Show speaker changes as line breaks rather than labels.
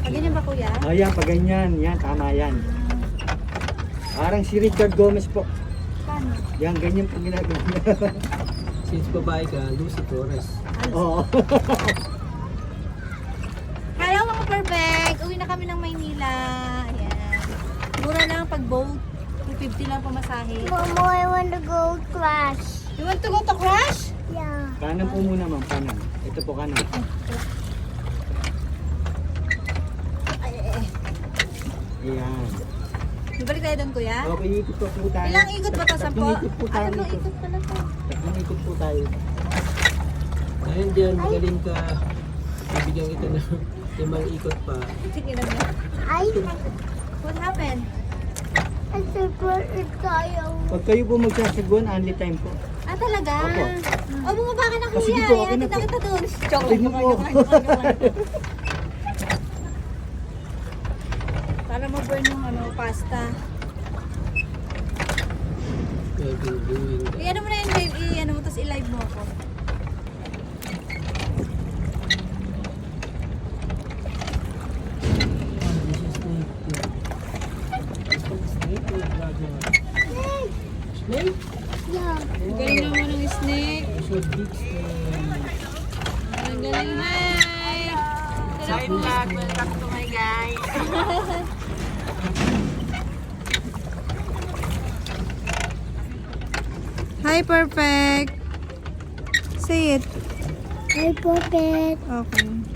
Ganyan ba kuya?
Ayan, pag ganyan. Yan, tama yan. Parang si Richard Gomez po.
Paano?
Yan, ganyan po ginagawa niya.
Since babae ka, Lucy Torres.
Oo.
Hello mga perfect! Uwi na kami ng Maynila. Ayan. Mura lang pag boat. 250 lang pamasahe.
Mama, I want to go crash.
You want to go to crash?
Yeah.
Kanan po muna, ma'am. Kanan. Ito po kanan. Ayan.
Balik tayo doon kuya?
Okay, ikot po tayo.
Ilang ikot ba to? 10?
Tatlong ikot po tayo.
Tatlong ikot pala to.
Tatlong ikot po tayo.
Ngayon dyan, magaling ka. Bibigyan kita ng 5 ikot pa.
Sige lang yan.
Ay,
What happened?
I super tayo.
Pag kayo po magsasagwan, only time po.
Ah, talaga?
Opo.
O, bumaba ka na
Ah, sige
kuya.
po, okay
Ayan,
na
kita
po.
kita doon. Joke
Sige
lang,
po.
joke lang, joke lang. Para ma-burn yung pasta.
I've been doing that.
I-ano mo na yun, babe. I-ano mo, tapos i-live mo ako.
Snake?
Yeah.
Galing naman ng snake.
So big snake.
Ang galing, hi! Hi vlog, welcome to my guys. Hi, perfect. Say it.
Hi, Puppet.
Okay.